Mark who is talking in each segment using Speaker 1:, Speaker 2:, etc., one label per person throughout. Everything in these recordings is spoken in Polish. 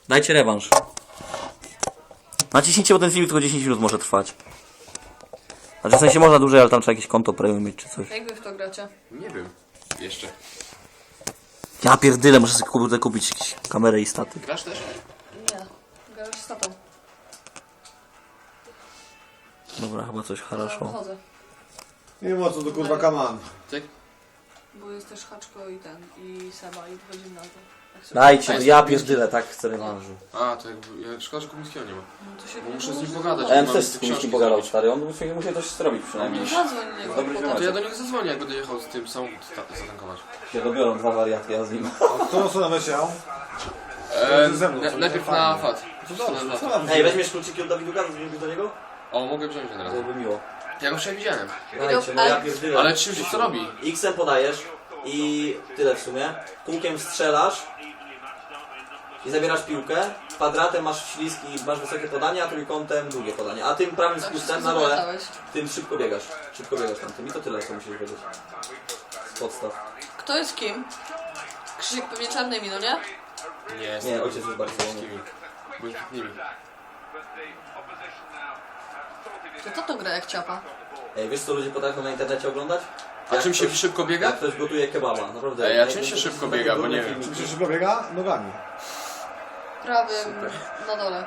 Speaker 1: Dajcie rewanż. Naciśnijcie, bo ten film tylko 10 minut może trwać. Znaczy w sensie można dłużej, ale tam trzeba jakieś konto premium mieć czy coś.
Speaker 2: Jak wy w to gracie?
Speaker 3: Nie wiem. Jeszcze.
Speaker 1: Ja pierdyle, muszę sobie kupić jakieś kamerę i statyw.
Speaker 3: Grasz też?
Speaker 2: Nie. Grasz z tatą.
Speaker 1: Dobra, chyba coś хорошо.
Speaker 2: Chodzę.
Speaker 4: Nie wiem o co to kurwa kaman.
Speaker 3: Ty?
Speaker 2: Bo jest też Haczko i ten, i Seba i wchodzimy na to. Jak sobie-
Speaker 1: Dajcie,
Speaker 3: jest
Speaker 1: ja
Speaker 3: Kubiński.
Speaker 1: pierdyle, tak chcę rewanżu.
Speaker 3: A, to jakby... Szkoda, że Kubińskiego nie ma.
Speaker 2: No to się
Speaker 3: Bo muszę z nim
Speaker 2: może
Speaker 3: pogadać.
Speaker 1: Ja bym
Speaker 3: Mam
Speaker 1: też z
Speaker 3: te
Speaker 1: kimś
Speaker 3: książki
Speaker 1: pogadał,
Speaker 3: zrobić.
Speaker 1: stary, on musi coś zrobić przynajmniej.
Speaker 2: Zadzwoń do niego
Speaker 1: Dobry
Speaker 2: potem.
Speaker 1: ziomek.
Speaker 3: To ja do niego zadzwonię, jak będę jechał z tym samochód zatankować.
Speaker 1: Się dobiorą dwa wariaty, ja z nim.
Speaker 4: A którą stronę leciał? Ze mną, co?
Speaker 3: Najpierw
Speaker 4: Fajnie.
Speaker 3: na FAT.
Speaker 4: To dobrze,
Speaker 3: Na
Speaker 4: co
Speaker 3: FAT.
Speaker 4: nam
Speaker 1: Ej, weźmiesz kluczyki od Dawiduka, zadzwonisz do niego?
Speaker 3: O, mogę wziąć od razu.
Speaker 1: Byłoby miło.
Speaker 3: Ja go wczoraj widziałem.
Speaker 1: Dajcie, no ja pierdyle.
Speaker 3: Ale czym się co robi?
Speaker 1: X-em podajesz i tyle w sumie. Kółkiem strzelasz i zabierasz piłkę. Kwadratem masz ślisk i masz wysokie podanie, a trójkątem długie podanie. A tym prawym spustem na rolę,
Speaker 2: Zapytałeś.
Speaker 1: tym szybko biegasz. Szybko biegasz tam tym i to tyle, co musisz wiedzieć. Z podstaw.
Speaker 2: Kto jest kim? Krzysiek pewnie czarnymi, no nie?
Speaker 3: Nie,
Speaker 1: Nie, ojciec jest bardzo
Speaker 3: nimi. Błękitnymi.
Speaker 2: To gra jak ciapa.
Speaker 1: Ej, wiesz co ludzie potrafią na internecie oglądać?
Speaker 3: A
Speaker 1: Jak
Speaker 3: czym się
Speaker 1: ktoś-
Speaker 3: szybko biega?
Speaker 1: Jak ktoś gotuje kebaba, naprawdę.
Speaker 3: Ej, a czym się szybko biega, bo nie wiem.
Speaker 4: Czy się szybko biega? Nogami.
Speaker 2: Prawym na dole.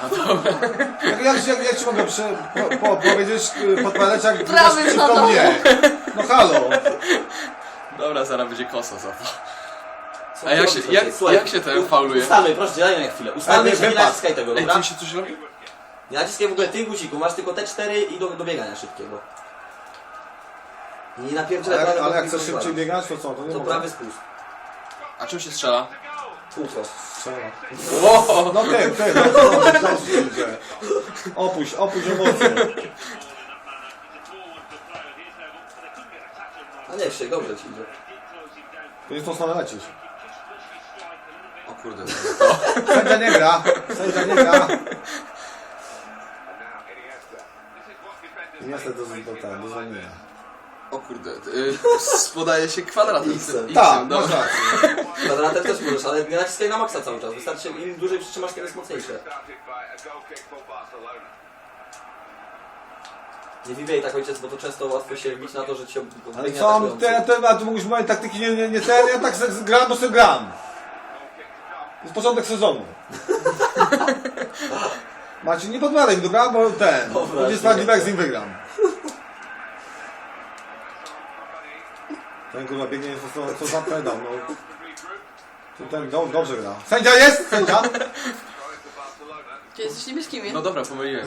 Speaker 4: Jak ci mogę powiedzieć, podpowiadać jak
Speaker 2: Prawy
Speaker 4: wiesz,
Speaker 2: na
Speaker 4: szybko
Speaker 2: dole.
Speaker 4: mnie? No halo.
Speaker 3: Dobra, zaraz będzie kosa za to.
Speaker 1: Co
Speaker 3: A jak
Speaker 1: ty
Speaker 3: się,
Speaker 1: robisz,
Speaker 3: jak,
Speaker 1: ojciec? Słuchaj,
Speaker 3: jak się ten fauluje?
Speaker 1: Ustalmy, proszę, daj mi chwilę. Ustalmy
Speaker 4: Ale
Speaker 1: się, nie
Speaker 4: wypad.
Speaker 1: naciskaj tego,
Speaker 3: Ej,
Speaker 1: dobra?
Speaker 3: tym się coś robi?
Speaker 1: Nie naciskaj w ogóle tych guzików, masz tylko te 4 i do biegania szybkiego. Nie napierdzielaj
Speaker 4: Ale
Speaker 1: prawego
Speaker 4: jak
Speaker 1: kliknąć
Speaker 4: chcesz szybciej
Speaker 1: bardzo.
Speaker 4: biegać, to co? To nie
Speaker 1: To
Speaker 4: mogę.
Speaker 1: prawy spust.
Speaker 3: A czym się strzela?
Speaker 1: Kółko.
Speaker 4: Strzela.
Speaker 3: Wow!
Speaker 4: No ty, no zdjęcie. Opuść emocje.
Speaker 1: A nie, Krzysiek, dobrze ci idzie.
Speaker 4: To jest tą stronę lecisz.
Speaker 3: O kurde.
Speaker 4: Sędzia nie gra. I niestety do zwolnienia.
Speaker 3: O kurde. Podaje się kwadratem.
Speaker 1: X-em.
Speaker 4: Tak,
Speaker 3: dobra.
Speaker 4: masz rację.
Speaker 1: Kwadratem też możesz, ale nie naciskaj na maksa cały czas. Wystarczy, im dłużej przytrzymasz, tym jest mocniejsze. Nie wibiej tak, ojciec, bo to często łatwo się wbić na to, że cię
Speaker 4: Ale
Speaker 1: biegnie
Speaker 4: co,
Speaker 1: atakujący.
Speaker 4: a tu mógłbyś moje taktyki nie ten, ja tak gram, bo sobie gram. To jest początek sezonu. Macie, nie podpowiadaj mi, dobra, bo ten,
Speaker 1: Dobra,
Speaker 4: będzie sprawiedliwe jak z nim wygram. Ten kurwa biegnie, co za pedał, no. Ten dobrze gra. Sędzia jest? Sędzia?
Speaker 2: Ty jesteś niebieskimi.
Speaker 3: No dobra, pomyliłem.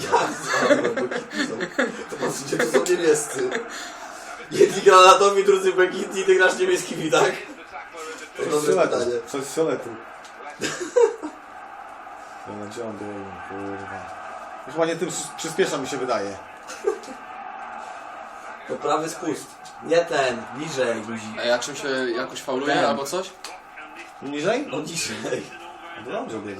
Speaker 1: To patrzcie, to są niebiescy. Jedni granatowi, drudzy błękitni, ty grasz niebieskimi, tak? To dobre pytanie.
Speaker 4: Przez fioletu. No gdzie on był, kurwa. Już ładnie tym przyspiesza mi się wydaje.
Speaker 1: To prawy spust. Nie ten, niżej guzik.
Speaker 3: Ej, a czym się jakoś fauluje
Speaker 1: Ten.
Speaker 3: albo coś?
Speaker 4: Niżej?
Speaker 1: No niżej.
Speaker 4: No dobrze biegną.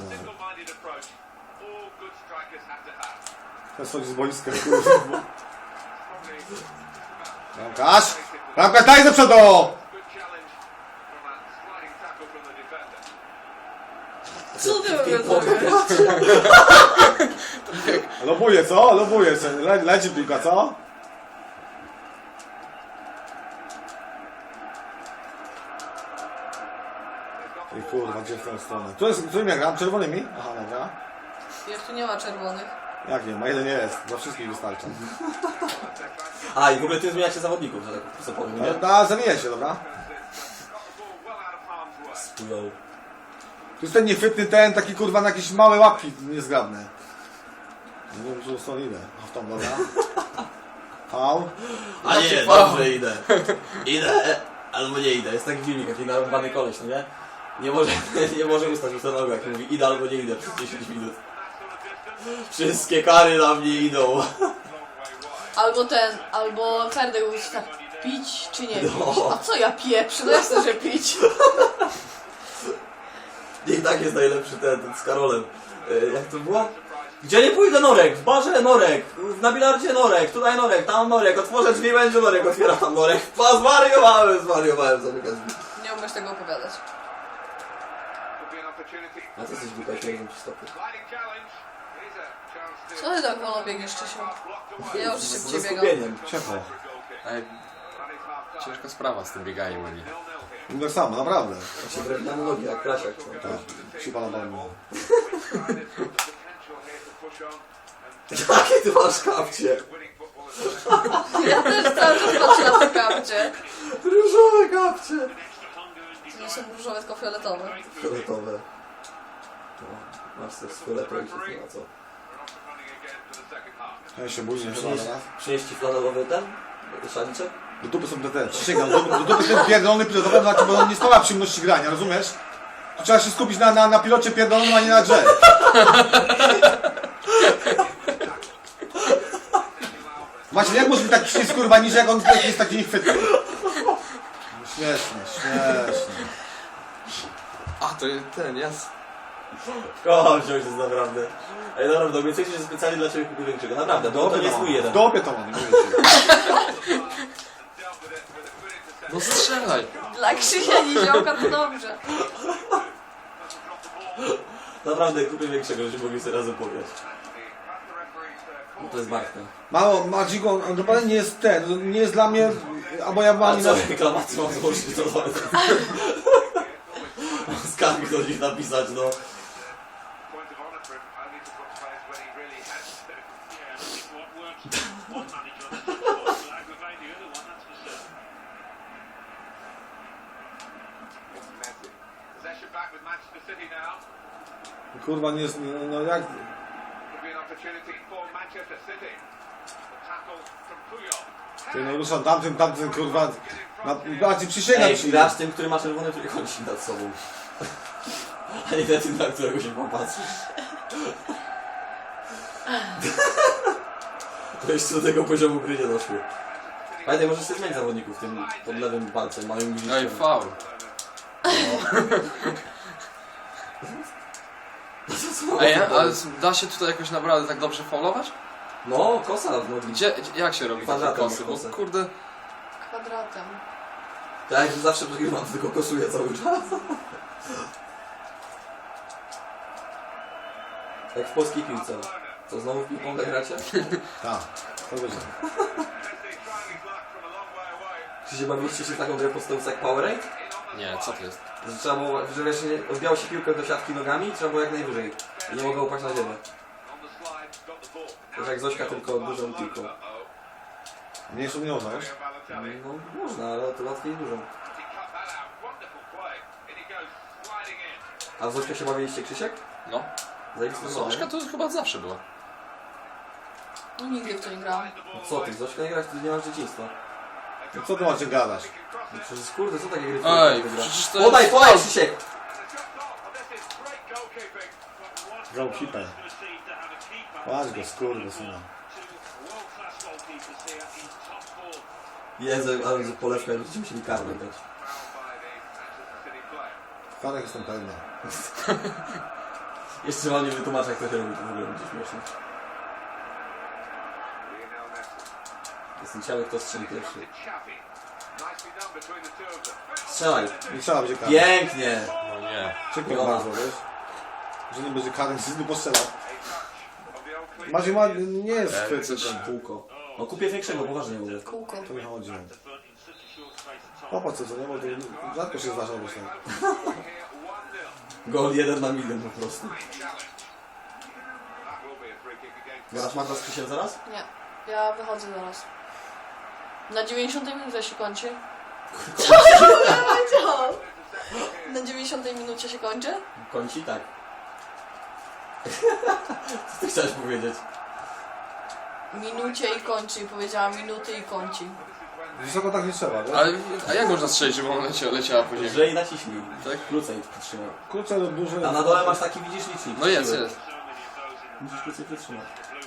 Speaker 4: To jest z boiska, kurwa. Bramkarz! Bramkarz, daj do przodu!
Speaker 2: Co ty
Speaker 1: Ty
Speaker 2: robisz?
Speaker 4: Lobuje, co? Lobuje. Leci piłka, co? I kurwa, gdzie w tę stronę? Którym ja gram? Czerwonymi? Aha, dobra.
Speaker 2: Jak tu nie ma czerwonych.
Speaker 4: Jak nie ma? Jeden nie jest. Dla wszystkich wystarcza.
Speaker 1: A i w ogóle ty zmieniacie zawodników, że tak co powiem, nie?
Speaker 4: Da, zamieniaj się, dobra?
Speaker 1: Spują.
Speaker 4: Tu jest ten niechwytny ten, taki kurwa na jakieś małe łapki niezgrabne. Nie wiem, czy są ile. A w tą, dobra. Faul.
Speaker 1: A nie, dobrze idę. Idę, albo nie idę. Jest taki filmik, taki narąbany koleś, no nie? Nie może ustać już ten nogę, jak mówi idę albo nie idę przez 10 minut. Wszystkie kary na mnie idą.
Speaker 2: Albo Ferdek mówi tak, pić czy nie pić?
Speaker 1: No.
Speaker 2: A co ja pieprzę? No jasne, że pić.
Speaker 1: I tak jest najlepszy ten z Karolem. Jak to było? Gdzie nie pójdę Norek? W barze Norek, na bilardzie Norek, tutaj Norek, tam Norek, otworzę drzwi, będzie Norek, otwieram tam Norek. Zwariowałem, zamykam drzwi.
Speaker 2: Nie umiesz tego opowiadać.
Speaker 1: A ty jesteś głupia, nie wiem ci stopy.
Speaker 2: Co ty tak wolno biegniesz, Czesiu? Ja już
Speaker 1: Ze
Speaker 2: szybciej biegam.
Speaker 1: skupieniem.
Speaker 4: Ciepło.
Speaker 3: Ej, ciężka sprawa z tym bieganiem, Oni.
Speaker 4: No tak samo, naprawdę.
Speaker 1: Jak się brewi na nogi, jak Krasiak.
Speaker 4: Tak, siła na balmu.
Speaker 1: Jakie ty masz kapcie?
Speaker 2: Ja też cały czas patrzę na te kapcie.
Speaker 1: Różowe kapcie.
Speaker 2: To nie są różowe, tylko fioletowe.
Speaker 1: Fioletowe. No, masz też z fioletem i wszystko na co.
Speaker 4: Ja się bójnie chyba teraz.
Speaker 1: Przynieść ci flanelowy ten? Szaliczek?
Speaker 4: Do dupy są te. Przysięgam, do dupy ten pierdolony pilotowy, bo on nie sprawia przyjemności grania, rozumiesz? Tu trzeba się skupić na pilocie pierdolonym, a nie na grze. Macie, jak może być tak przycisk kurwa niż jak on jest taki niechwytny? Śmieszne, śmieszne.
Speaker 3: A, to ten, jas.
Speaker 1: Kocham się ojciec, naprawdę. Ej, naprawdę, obiecujecie, że specjalnie dla Ciebie kupię większego. Naprawdę, bo to nie jest mój jeden.
Speaker 4: W dopie to mam, nie wiecie.
Speaker 3: No strzelaj.
Speaker 2: Dla Krzysia Niziołka to dobrze.
Speaker 1: Naprawdę kupię większego, żebyśmy mogli sobie razem pograć. No to jest Bartka.
Speaker 4: Mało, Marcinku, on naprawdę nie jest ten, nie jest dla mnie, albo ja
Speaker 1: A
Speaker 4: mam
Speaker 1: co, reklamację mam złożyć, to mam skargi do nich napisać, no.
Speaker 4: Kurwa nie jest, no jak... Ty no ruszam tamtym kurwa... Bardziej przysięgam
Speaker 1: Ej,
Speaker 4: ci.
Speaker 1: grasz tym, który ma czerwony trójkącik nad sobą. A nie tym, na którego się popatrzysz. To jeszcze do tego poziomu gry nie doszło. Pamiętaj, możesz sobie zmienić zawodników tym pod lewym palcem, małym guziczkiem.
Speaker 3: Ej, faul. Ej, a da się tutaj jakoś naprawdę tak dobrze faulować?
Speaker 1: No, kosa, no
Speaker 3: Gdzie, jak się robi takie
Speaker 1: Kwadratem
Speaker 3: kosy? Bo
Speaker 1: kosę.
Speaker 3: kurde,
Speaker 2: Kwadratem.
Speaker 1: tak jak zawsze przegrywam, tylko kosuję cały czas. Jak w polskiej piłce. Co, znowu w piłką gracie?
Speaker 4: Tak, to będzie.
Speaker 1: Czy się bawiliście się w taką grę podstawową jak Powerade?
Speaker 3: nie, co to jest?
Speaker 1: Że trzeba było, że wiesz, odbijało się piłkę do siatki nogami i trzeba było jak najwyżej. I nie mogło upaść na ziemię. To jak Zośka, tylko dużą piłką.
Speaker 4: Mniejszą nie można, wiesz?
Speaker 1: No można, ale to łatwiej dużą. A w Zośkę się bawiliście, Krzysiek?
Speaker 3: No.
Speaker 1: Zajebiste
Speaker 3: Zoszka to chyba zawsze była.
Speaker 2: No nigdy w to nie grałam.
Speaker 1: No co ty, w Zośkę nie grać, ty nie masz dzieciństwa.
Speaker 4: No co ty macie gadać?
Speaker 1: No przecież kurde, co takie gry
Speaker 3: Ej,
Speaker 1: gra?
Speaker 3: przecież to
Speaker 1: Podaj,
Speaker 3: jest
Speaker 1: podaj,
Speaker 3: faul.
Speaker 1: Krzysiek!
Speaker 4: Goalkeeper. Patrz go, skurwy syna.
Speaker 1: Jezu, ale że polewka, jak będziecie musieli karmę dać.
Speaker 4: W karach jestem pewny.
Speaker 1: Jeszcze wam nie wytłumaczę, jak to się robi, to w ogóle będzie śmieszne. Jestem ciekawy, kto strzeli pierwszy. Strzelaj!
Speaker 4: Nie trzeba będzie karać.
Speaker 1: Pięknie!
Speaker 3: No nie.
Speaker 4: Czekaj bardzo, wiesz? Że nie będzie karny, że nie postrzelał. Maciej ma, nie jest chwyty
Speaker 3: coś-
Speaker 4: ten.
Speaker 1: Kółko. No kupię większego, poważnie mówię.
Speaker 2: Kółko.
Speaker 4: To nie chodzi. Popatrz co, nie? Bo to rzadko się zdarza, myślę.
Speaker 1: Gol 1 na milion po prostu. Grasz Magda z Krzysiem zaraz?
Speaker 2: Nie. Ja wychodzę zaraz. Na 90 minucie się kończy. Co ja powiedziałam? Na 90 minucie się kończy?
Speaker 1: Końci? Tak. Co ty chciałeś powiedzieć?
Speaker 2: Minucie i kończy. Powiedziałam minuty i kończy.
Speaker 4: Wysoko tak nie trzeba, wiesz?
Speaker 3: Ale, a jak można strzelić, żeby ona leciała po ziemi?
Speaker 1: Lżej naciśnij.
Speaker 3: Tak?
Speaker 1: Krócej przytrzymaj.
Speaker 4: Kurczę, no duże...
Speaker 1: A na dole masz taki, widzisz, licznik.
Speaker 3: No jest, jest.
Speaker 1: Musisz krócej przytrzymać.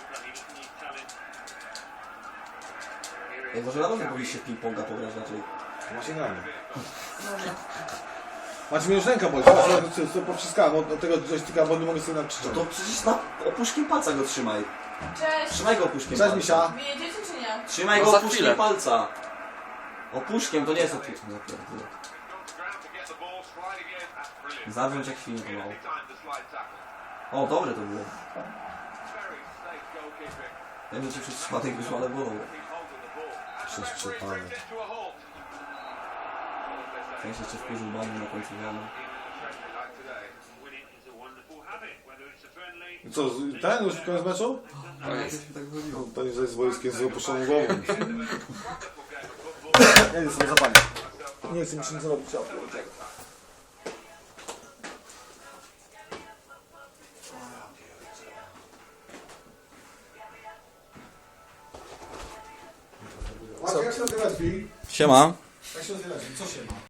Speaker 1: Ej, może na pewno powinniście w ping-ponga pograć raczej.
Speaker 4: Macie gramy.
Speaker 2: Dobra.
Speaker 4: Macie mnie już ręka boli, co powciskałem od tego joysticka, bo nie mogę sobie nakrzyczeć.
Speaker 1: To przecież na opuszkiem palca go trzymaj.
Speaker 2: Cześć!
Speaker 1: Trzymaj go opuszkiem
Speaker 4: Cześć
Speaker 1: palca.
Speaker 4: Misia.
Speaker 2: Wyjedziecie czy nie?
Speaker 1: Trzymaj
Speaker 3: No
Speaker 1: go
Speaker 3: za
Speaker 1: opuszkiem
Speaker 3: chwilę.
Speaker 1: palca. Opuszkiem, to nie jest opuszkiem. Zawrząć jak świnie to mało. O, dobre to było. Ja wiem, że ci przez przypadek wyszło, ale było dobre.
Speaker 4: Przez przypadek.
Speaker 1: Ja się jeszcze wkurzył bany na końcu wiadomo.
Speaker 4: I co, ten już koniec meczu?
Speaker 3: To jest.
Speaker 1: Tak wychodziło.
Speaker 4: To nie z wojskiem z opuszczoną głową. Ja nie sobie zapalić. Nie chcę mi się nic zrobić. Jak się nazywa drzwi?
Speaker 1: Siema.
Speaker 4: Jak się nazywa drzwi? Co się ma?